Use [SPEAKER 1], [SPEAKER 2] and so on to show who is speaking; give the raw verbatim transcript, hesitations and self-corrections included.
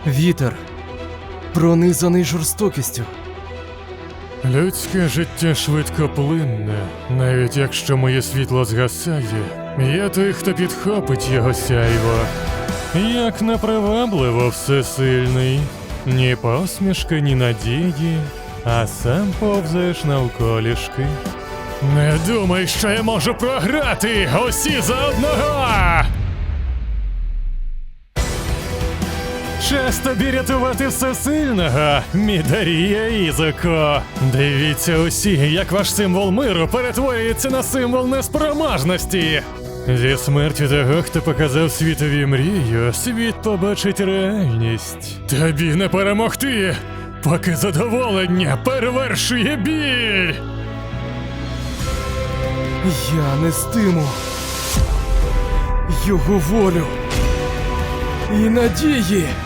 [SPEAKER 1] Вітер, пронизаний жорстокістю.
[SPEAKER 2] Людське життя швидкоплинне, навіть якщо моє світло згасає, є той, хто підхопить його сяйво. Як непривабливо всесильний, ні посмішки, ні надії, а сам повзаєш навколішки. Не думай, що я можу програти, усі за одного! Час тобі рятувати всесильного, Мідарія Ізуко. Дивіться усі, як ваш символ миру перетворюється на символ неспроможності. Зі смертю того, хто показав світові мрію, світ побачить реальність. Тобі не перемогти, поки задоволення перевершує біль.
[SPEAKER 1] Я нестиму його волю і надії.